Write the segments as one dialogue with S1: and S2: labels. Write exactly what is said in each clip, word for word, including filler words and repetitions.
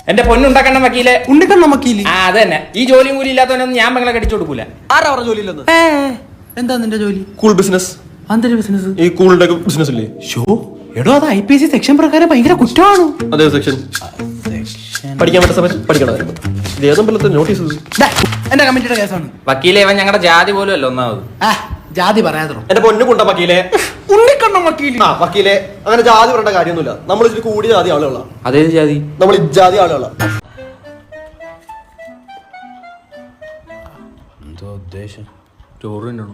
S1: എന്റെ പൊന്നുണ്ടാക്കണ്ട വക്കീലെ.
S2: ഉണ്ണിക്കണ്ണ വക്കീല്?
S1: ആ അത് തന്നെ. ഈ ജോലിയും കൂലി ഇല്ലാത്തവനൊന്നും ഞാൻ പെങ്ങളെ കടിച്ചു കൊടുക്കൂല.
S2: ആരാ പറഞ്ഞ ജോലി ഇല്ലെന്ന്? എന്താ നിന്റെ ജോലി?
S3: Cool business.
S2: എന്തൊരു ബിസിനസ്?
S3: ഈ കൂളിന്റെ ബിസിനസ് ഇല്ലേ?
S2: ഷോ എടോ, അത് ഐ പി എസ് സി സെക്ഷൻ പ്രകാരം ഭയങ്കര കുറ്റമാണ്.
S3: അതേ സെക്ഷൻ പഠിക്കാൻ പറ്റുന്ന സമയത്ത് പഠിക്കണം. ഇത് ഏതെങ്കിലും നോട്ടീസ്
S2: എന്റെ കമ്മിറ്റിയുടെ കേസാണ്.
S1: വക്കീലെ, ഇവൻ ഞങ്ങളുടെ ജാതി പോലും അല്ല ഒന്നാമത്.
S2: ജാതി പറയാതോ.
S3: എന്റെ പൊന്നു കൊണ്ട വക്കീലെ.
S2: ഉണ്ണിക്കണ്ണ വക്കീല്?
S3: ആ വക്കീലെ, അങ്ങനെ ജാതി പറയേണ്ട കാര്യമൊന്നുമില്ല. നമ്മൾ ഇതിൽ കൂടിയ ജാതി ആളുകളാ.
S1: അതേത് ജാതി?
S3: നമ്മൾ ഇജാതി ആളുകളാ.
S2: എന്തോ ഉദ്ദേശം?
S1: ചോറിനാണോ?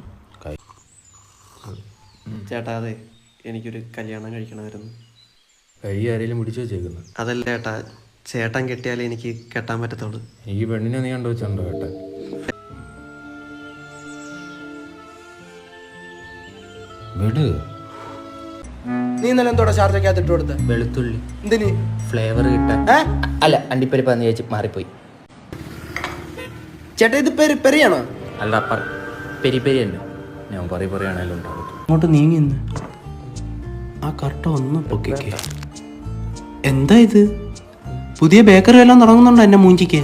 S4: ചേട്ടാ, അതെ, എനിക്കൊരു കല്യാണം കഴിക്കണമായിരുന്നു.
S1: കഴി ആരെങ്കിലും പിടിച്ചു വെച്ചേക്കുന്നത്?
S4: അതല്ല ചേട്ടാ, ചേട്ടൻ കെട്ടിയാലേ എനിക്ക് കെട്ടാൻ പറ്റത്തുള്ളൂ.
S1: ഈ പെണ്ണിനെ നീ കണ്ടു വെച്ചിട്ടുണ്ടോ കേട്ടാൻ? വിട്.
S2: നീ ഇന്നലെ എന്തോടെ ചാർജൊക്കെ ഇട്ട് കൊടുത്ത?
S1: വെളുത്തുള്ളി.
S2: എന്തിന്?
S1: ഫ്ലേവർ കിട്ടാൻ. അല്ല, അണ്ടിപ്പരിപ്പാന്ന് ചോദിച്ച് മാറിപ്പോയി.
S2: ചേട്ടാ, ഇത് പെരി പെരിയാണോ?
S1: അല്ല, പെരി പെരി തന്നെ. ഞാൻ പറയ പറയാണല്ലോ ഉണ്ടാവും.
S2: അങ്ങോട്ട് നീങ്ങി നിന്ന് ആ കർട്ട ഒന്ന് പൊക്കിക്കേ. എന്താ ഇത്? പുതിയ ബേക്കറി എല്ലാം തുടങ്ങുന്നുണ്ടോ എന്നെ മൂഞ്ചിക്ക്?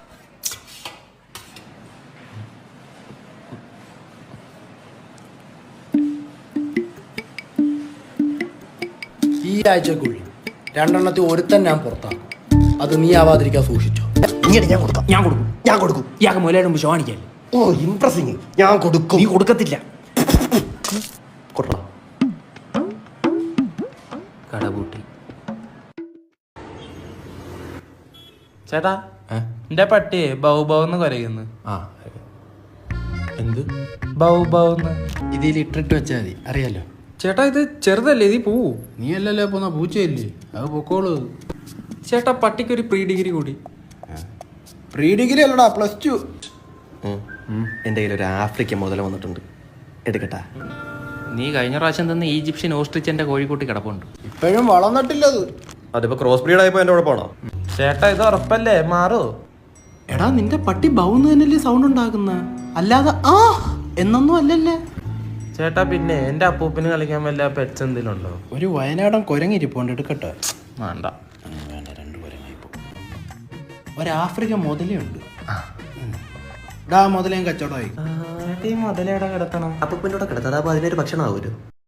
S2: ഈ ആഴ്ചക്കുള്ളിൽ രണ്ടെണ്ണത്തിൽ ഒരുത്തൻ ഞാൻ പുറത്താക്കും. അത് നീ ആവാതിരിക്കാൻ സൂക്ഷിച്ചോ.
S4: ഞാൻ കൊടുക്കാം
S2: ഞാൻ കൊടുക്കും
S4: ഞാൻ കൊടുക്കും
S2: ഇയാൾക്ക് മുലയുടെ മുമ്പ് ഷോണിക്കല്ലേ?
S4: ഓ, ഇംപ്രസിങ്. ഞാൻ കൊടുക്കും.
S2: നീ കൊടുക്കത്തില്ല.
S4: കൊടുക്കണം.
S1: കടപൂട്ടി.
S5: ചേട്ടാ, എന്റെ പട്ടിയെ ബൗ ബൗ എന്ന് കരയുന്നു.
S2: ആ എന്ത്
S5: ബൗ ബൗ എന്ന്.
S2: ഇതിൽ ഇട്ടിട്ട് വെച്ചാൽ മതി, അറിയാലോ.
S5: ചേട്ടാ, ഇത് ചെറുതല്ലേ, ഇത് പോവൂ.
S2: നീ അല്ലല്ലോ പോന്ന പൂച്ചയല്ലേ, അത് പൊക്കോളൂ.
S5: ചേട്ടാ, പട്ടിക്ക് ഒരു പ്രീ ഡിഗ്രി കൂടി.
S2: പ്രീ ഡിഗ്രി അല്ലടാ, പ്ലസ് ടു.
S4: എൻ്റെ കയ്യിൽ ഒരു ആഫ്രിക്ക മുതല വന്നിട്ടുണ്ട്, എടുക്കട്ടാ?
S1: നീ കഴിഞ്ഞ പ്രാവശ്യം തന്നെ ഈജിപ്ഷ്യൻ ഓസ്ട്രിച്ചന്റെ കോഴിക്കോട്ടി കിടപ്പുണ്ട്.
S2: ഇപ്പോഴും വളർന്നിട്ടില്ലത്.
S3: അതിപ്പോ ക്രോസ് ബ്രീഡ് ആയപ്പോ എന്റെ കുഴപ്പമാണോ?
S5: ചേട്ടാ, ഇത് ഉറപ്പല്ലേ, മാറോ?
S2: എടാ, നിന്റെ പട്ടി ബൗന്ന് തന്നെയല്ലേ സൗണ്ട് ഉണ്ടാക്കുന്ന, അല്ലാതെ ആ എന്നൊന്നും അല്ലല്ലേ.
S5: ചേട്ടാ, പിന്നെ എന്റെ അപ്പൂപ്പിന് കളിക്കാൻ വല്ല പെറ്റ്സ് എന്തെങ്കിലും ഉണ്ടോ?
S2: ഒരു വയനാടൻ കുരങ്ങിരിപ്പോണ്ട്, എടുക്കട്ടെ?
S1: വേണ്ട.
S2: വേണ്ട, രണ്ട് കുരങ്ങിപ്പോ. ഒരു ആഫ്രിക്ക മുതലുണ്ട്. ഡാ മുതലേം കച്ചവടമായി.
S5: മുതലേടെ കിടത്തണം.
S4: അപ്പൂപ്പിൻ്റെ കൂടെ കിടത്താം, അതാകുമ്പോൾ അതിനൊരു ഭക്ഷണമാവുമല്ലോ.